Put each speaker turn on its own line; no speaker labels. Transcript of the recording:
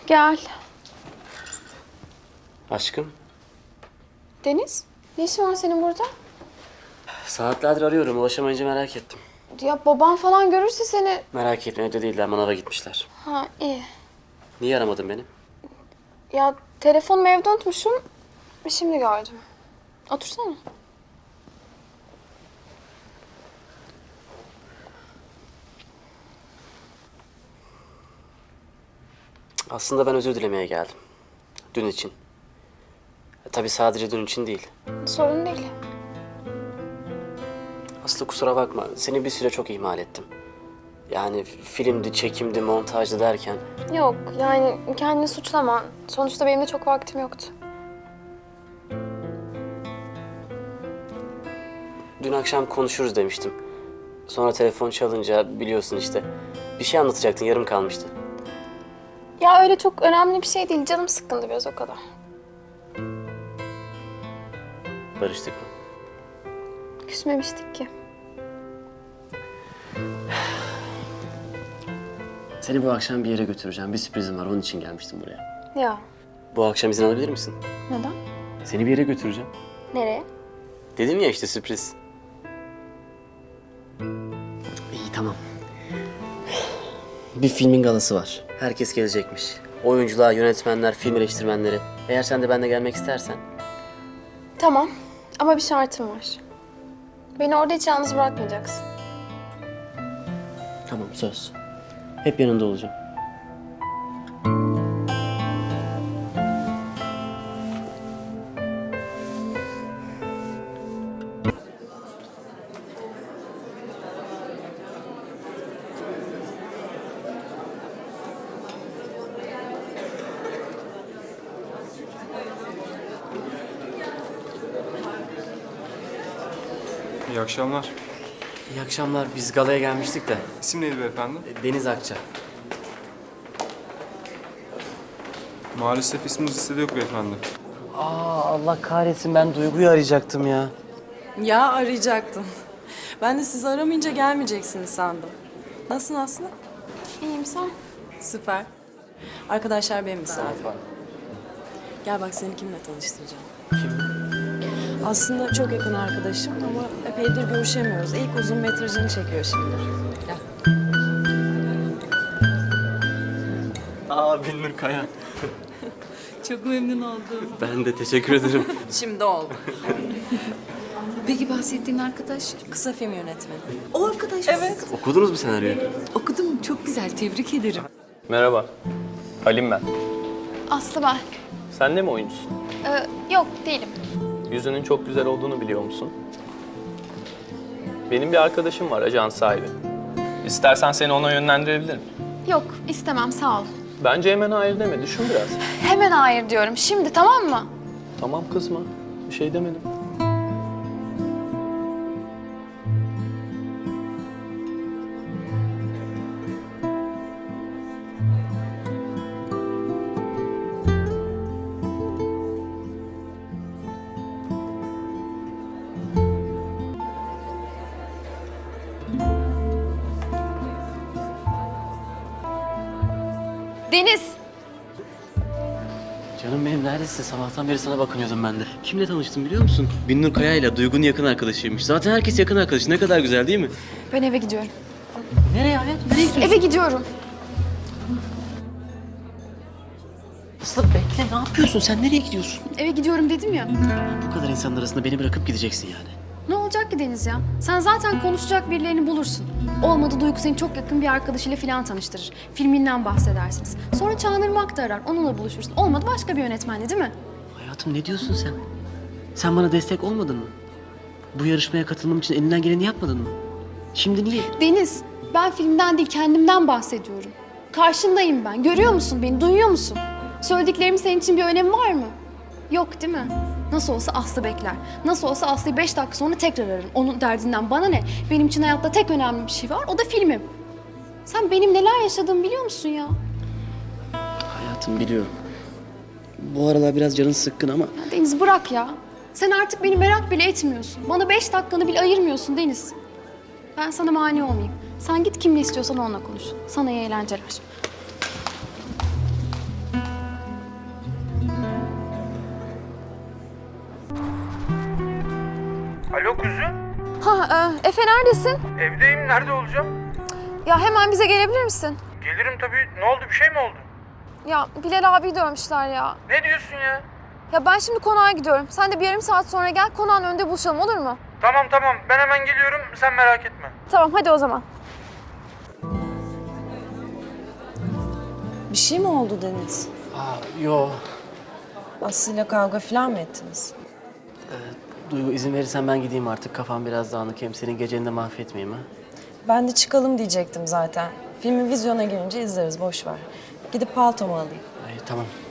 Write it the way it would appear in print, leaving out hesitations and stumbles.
Gel.
Aşkım,
Deniz, ne işin var senin burada?
saatlerdir arıyorum. Ulaşamayınca merak ettim.
Ya baban falan görürse seni...
Merak etme, evde değiller. Manava gitmişler.
Ha iyi.
Niye aramadın beni?
Ya telefonumu evde unutmuşum. Şimdi gördüm. Otursana.
Aslında ben özür dilemeye geldim. Dün için. Tabii sadece dün için değil.
Sorun değil.
Aslı kusura bakma. Seni bir süre çok ihmal ettim. Yani filmdi, çekimdi, montajdı derken...
Yok yani kendini suçlama. Sonuçta benim de çok vaktim yoktu.
Dün akşam konuşuruz demiştim. Sonra telefon çalınca biliyorsun işte. Bir şey anlatacaktın, yarım kalmıştı.
Ya öyle çok önemli bir şey değil. Canım sıkkındı biraz o kadar.
Barıştık mı?
Küsmemiştik ki.
Seni bu akşam bir yere götüreceğim. Bir sürprizim var, onun için gelmiştim buraya.
Ya
Bu akşam izin alabilir misin?
neden?
Seni bir yere götüreceğim.
Nereye?
Dedim ya işte sürpriz. İyi tamam. Bir filmin galası var. Herkes gelecekmiş. Oyuncular, yönetmenler, film eleştirmenleri. Eğer sen de benimle gelmek istersen.
Tamam ama bir şartım var. Beni orada hiç yalnız bırakmayacaksın.
Tamam söz. Hep yanında olacağım.
İyi akşamlar.
İyi akşamlar. Biz galaya gelmiştik de.
İsim neydi beyefendi?
Deniz Akça.
Maalesef isminiz listede yok beyefendi.
Allah kahretsin, ben Duygu'yu arayacaktım ya.
Ya arayacaktın. Ben de sizi aramayınca gelmeyeceksiniz sandım. Nasılsın Aslı?
İyiyim sen?
Süper. Arkadaşlar benim misafirim. Gel bak seni kimle tanıştıracağım.
Kim?
Aslında çok yakın arkadaşım ama epeydir görüşemiyoruz. İlk uzun metrajını çekiyor şimdi. Gel.
Binnur Kaya.
Çok memnun oldum.
Ben de teşekkür ederim.
Şimdi oldu.
Peki bahsettiğin arkadaş?
Kısa film yönetmeni.
O arkadaş.
Evet.
Okudunuz mu senaryoyu?
Okudum. Çok güzel. Tebrik ederim.
Merhaba, Halim ben.
Aslı ben.
Sen de mi oyuncusun?
Yok değilim.
Yüzünün çok güzel olduğunu biliyor musun? Benim bir arkadaşım var, ajans sahibi. İstersen seni ona yönlendirebilirim.
Yok istemem sağ ol.
Bence hemen hayır deme, düşün biraz.
Hemen hayır diyorum. Şimdi tamam mı?
Tamam kızma, bir şey demedim.
Deniz.
Canım benim neredesin? Sabahtan beri sana bakınıyordum ben de. Kimle tanıştım biliyor musun? Binnur Kaya ile Duygu'nun yakın arkadaşıymış. Zaten herkes yakın arkadaşı. Ne kadar güzel değil mi?
Ben eve gidiyorum.
Nereye hayat? Nereye gidiyorsun?
Eve gidiyorum.
Aslı bekle, ne yapıyorsun? Sen nereye gidiyorsun?
Eve gidiyorum dedim ya.
Bu kadar insanın arasında beni bırakıp gideceksin yani.
Ne olacak ki Deniz ya? Sen zaten konuşacak birilerini bulursun. Olmadı Duygu seni çok yakın bir arkadaşıyla falan tanıştırır. Filminden bahsedersiniz. Sonra Çağınırmak da arar. Onunla buluşursun. Olmadı başka bir yönetmenle değil mi?
Hayatım ne diyorsun sen? Sen bana destek olmadın mı? Bu yarışmaya katılmam için elinden geleni yapmadın mı? Şimdi niye?
Deniz, ben filmden değil kendimden bahsediyorum. Karşındayım ben. Görüyor musun beni? Duyuyor musun? Söylediklerimin senin için bir önemi var mı? Yok değil mi? Nasıl olsa Aslı bekler. Nasıl olsa Aslı'yı 5 dakika sonra tekrar ararım. Onun derdinden bana ne? Benim için hayatta tek önemli bir şey var. O da filmim. Sen benim neler yaşadığımı biliyor musun ya?
Hayatım biliyorum. Bu aralar biraz canın sıkkın ama...
Ya Deniz bırak ya. Sen artık beni merak bile etmiyorsun. Bana 5 dakikanı bile ayırmıyorsun Deniz. Ben sana mani olmayayım. Sen git kimle istiyorsan onunla konuş. Sana iyi eğlenceler. Efe neredesin?
Evdeyim, nerede olacağım?
Ya hemen bize gelebilir misin?
Gelirim tabii. Ne oldu, bir şey mi oldu?
Ya Bilal abiyi dövmüşler ya.
Ne diyorsun ya?
Ya ben şimdi konağa gidiyorum. Sen de bir yarım saat sonra gel, konağın önünde buluşalım, olur mu?
Tamam, ben hemen geliyorum, sen merak etme.
Tamam, hadi o zaman.
Bir şey mi oldu Deniz?
Yo.
Aslı'yla kavga falan mı ettiniz?
Duygu izin verirsen ben gideyim artık. Kafam biraz dağınık. Hem senin geceni de mahvetmeyeyim ha.
Ben de çıkalım diyecektim zaten. Filmi vizyona girince izleriz, boş ver. Gidip paltomu alayım.
Ay, tamam.